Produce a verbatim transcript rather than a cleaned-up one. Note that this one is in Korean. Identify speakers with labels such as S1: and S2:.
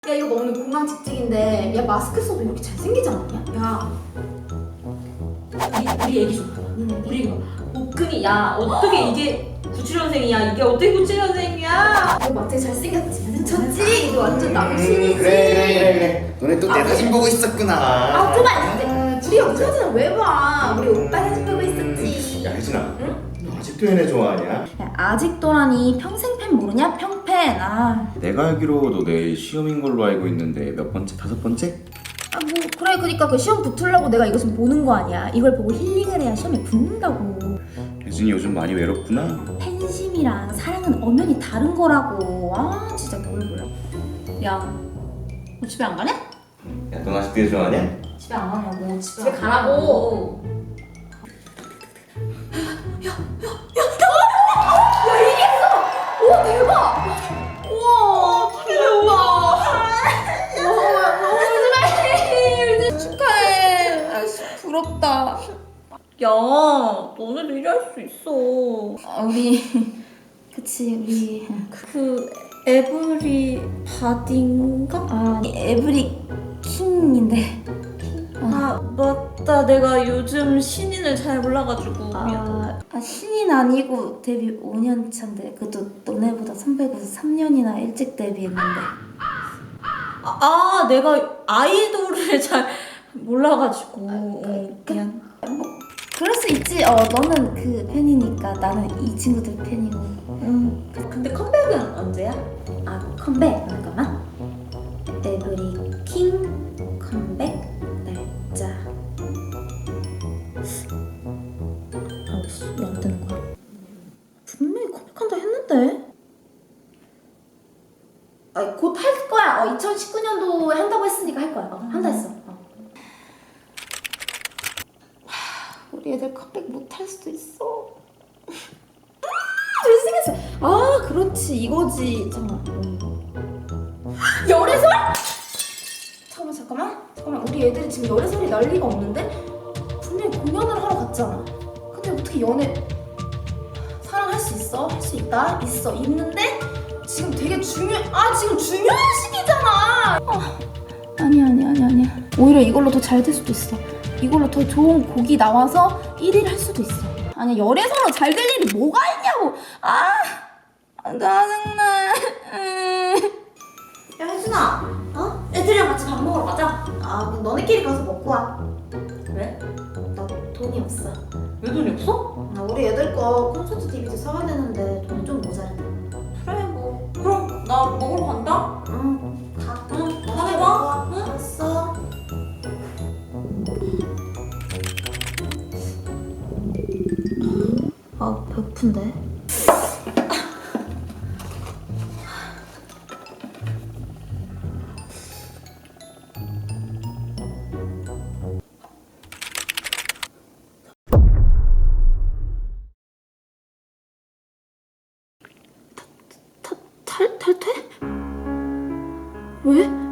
S1: 야 이거 오늘 공항 직직인데 야 마스크 써도 이렇게 잘생기지 않았냐?
S2: 야 우리, 우리 얘기 좀 봐봐.
S1: 응,
S2: 우리 이거 복근이 야 어떻게 이게 구칠 년생이야 이게 어떻게 구칠 년생이야.
S1: 너 막대 잘생겼지? 미쳤지? 이거 완전 남신이지?
S3: 음, 그래 그래 그래 그래. 너네 또 내 사진 보고 있었구나.
S1: 아 그만 진짜! 우리 여기 사진을 왜 봐? 우리 오빠 사진 보고 있었지.
S3: 야 혜진아,
S1: 응?
S3: 너 아직도 얘네 좋아하냐?
S4: 야, 아직도라니 평생 팬 모르냐? 평팬. 아,
S5: 내가 알기로 너 내일 시험인 걸로 알고 있는데 몇 번째? 다섯 번째?
S4: 아, 뭐 그래 그러니까 그 시험 붙으려고 내가 이거 좀 보는 거 아니야. 이걸 보고 힐링을 해야 시험에 붙는다고.
S5: 혜진이 요즘 많이 외롭구나.
S4: 팬심이랑 사랑은 엄연히 다른 거라고. 아 진짜 뭘 몰라.
S2: 야 너 집에 안 가냐?
S3: 야 넌 아직도 얘 좋아하냐?
S4: 집에 안 가냐고. 집에,
S2: 집에 가라고.
S1: 오 대박! 우와 대박!
S4: 축하해. 아이씨, 부럽다.
S2: 야 너네도 일할 수 있어.
S4: 아, 우리 그치 우리 그 에브리 바디인가? 아 에브리 킹인데.
S2: 아 맞다 내가 요즘 신인을 잘 몰라가지고 미안.
S4: 아, 아 신인 아니고 데뷔 오 년 차인데 그것도 너네보다 선배고 삼 년이나 일찍 데뷔했는데.
S2: 아, 아 내가 아이돌을 잘 몰라가지고 어, 미안.
S4: 그럴 수 있지. 어 너는 그 팬이니까 나는 이 친구들 팬이고. 응.
S2: 근데 컴백은 언제야?
S4: 아 컴백 잠깐만. 에브리 킹 컴백 날짜. 아씨 왜 안 되는 거야? 분명히 컴백한다 했는데. 아 곧 할 거야. 어 이천십구 년도에 한다고 했으니까 할 거야. 어, 한다 했어. 어. 우리 애들 컴백 못 할 수도 있어. 아, 잘생겼어. 아, 그렇지. 이거지. 잠깐만. 열애설? 잠깐만, 잠깐만. 잠깐만. 우리 애들이 지금 열애설이 날 리가 없는데? 분명히 공연을 하러 갔잖아. 근데 어떻게 연애 사랑할 수 있어? 할 수 있다? 있어. 있는데 지금 되게 중요. 아, 지금 중요한 시기잖아. 아, 아니야, 아니야, 아니야, 아니야. 오히려 이걸로 더 잘 될 수도 있어. 이걸로 더 좋은 곡이 나와서 일 위를 할 수도 있어. 아니 열애설로 잘 될 일이 뭐가 있냐고. 아, 아 짜증나.
S1: 야 혜준아 어? 애들이랑 같이 밥 먹으러 가자. 아 그럼 너네끼리 가서 먹고 와.
S2: 왜?
S1: 나 돈이 없어.
S2: 왜 돈이 없어?
S1: 아, 우리 애들 거 콘서트 디비디 사야 되는데 돈이 좀 모자라다.
S2: 그래 뭐 그럼 나 먹으러 간다.
S1: 응 가.
S2: 응 다음에 봐. 응?
S1: 알았어.
S4: 아 배고픈데. 탈 탈퇴? 왜?